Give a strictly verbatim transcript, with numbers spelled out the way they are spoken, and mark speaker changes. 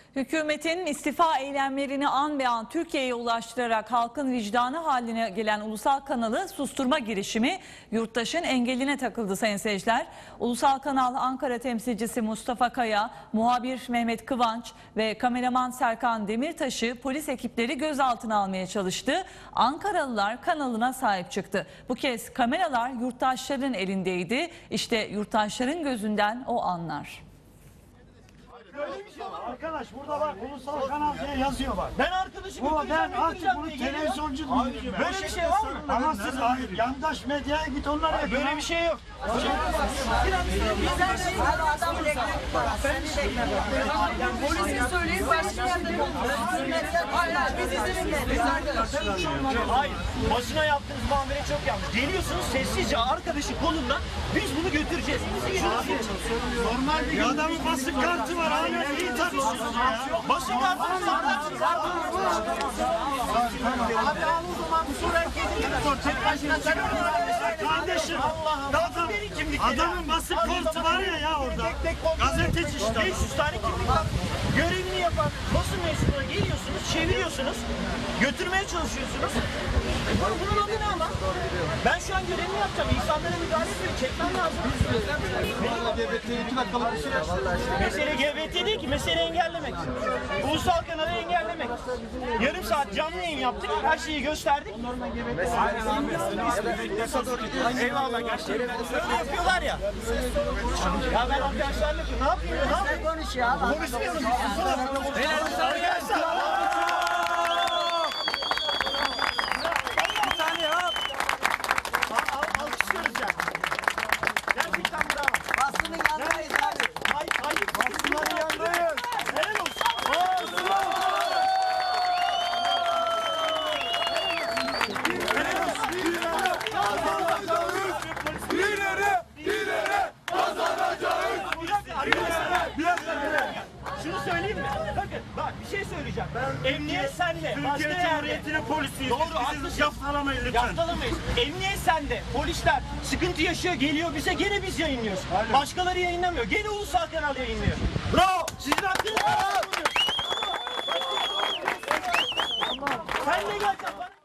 Speaker 1: Hükümetin istifa eylemlerini an be an Türkiye'ye ulaştırarak halkın vicdanı haline gelen ulusal kanalı susturma girişimi yurttaşın engeline takıldı sayın seyirciler. Ulusal Kanal Ankara temsilcisi Mustafa Kaya, muhabir Mehmet Kıvanç ve kameraman Serkan Demirtaş'ı polis ekipleri gözaltına almaya çalıştı. Ankaralılar kanalına sahip çıktı. Bu kez kameralar yurttaşların elindeydi. İşte yurttaşların gözünden o anlar.
Speaker 2: Böyle bir şey var. Arkadaş burada bak ulusal kanal diye yazıyor bak.
Speaker 3: Ben arkadaşı
Speaker 2: Bu
Speaker 3: götüreceğim,
Speaker 2: ben artık
Speaker 3: götüreceğim
Speaker 2: bunu
Speaker 3: diye geliyor.
Speaker 2: televizyoncu
Speaker 3: Abi,
Speaker 2: diyeceğim.
Speaker 3: böyle bir şey var mı?
Speaker 2: Ama siz hayır, yandaş medyaya git onlara yapın.
Speaker 3: Böyle bir şey yok.
Speaker 4: Polisin söyleyin başka yerde Hayır, biz izin veririz arkadaşlar.
Speaker 3: Hayır. Basına yaptığınız muamele çok yanlış. Geliyorsunuz sessizce arkadaşı kolundan biz bunu götüreceğiz.
Speaker 2: Normal bir adamın basın kartı var. Hala iyi tanışıyorsun ya.
Speaker 3: Basın kartınız var. Abi al o zaman bu soru herkese sor. Tek başına sen
Speaker 2: Kardeşim adam, adamın basın kartı var ya ya orada. Gazeteci işte.
Speaker 3: beş yüz tane kimlik var. Görevini yapan basın mensuplarına geliyorsunuz, çeviriyorsunuz, götürmeye çalışıyorsunuz. Bunun, bunun adı ne ama? Ben şu an görevimi yapacağım. İnsanlara müdahale etmeyi çekmem lazım. Mesele G B T değil ki, mesele engellemek. Ulusal kanalı engellemek. Yarım saat canlı yayın yaptık, her şeyi gösterdik. Eyvallah gerçekten. Öyle yapıyorlar ya. Ya ben arkadaşlarla ne yapayım? Ne yapayım?
Speaker 4: Konuş ya.
Speaker 3: Konuşmuyorum. Arkadaşlar. Bir saniye hop. Alkışlıyoruz ya. Gerçekten bravo.
Speaker 4: Basının yanındayız abi.
Speaker 3: Ay, ay, basınların yanındayız. Helal olsun. Şunu söyleyeyim mi? Bakın bak bir şey söyleyeceğim. Emniyet sende. Başka
Speaker 2: Türkiye
Speaker 3: yerde.
Speaker 2: Cumhuriyeti'nin polisiyiz.
Speaker 3: Doğru,
Speaker 2: Bizi
Speaker 3: haklısın.
Speaker 2: yaftalamayın lütfen.
Speaker 3: Yaftalamayız. Emniyet sende. Polisler sıkıntı yaşıyor geliyor bize gene biz yayınlıyoruz. Başkaları yayınlamıyor. Gene ulusal kanal yayınlıyor. Bravo. Sizin hakkınız var. Sen de gel.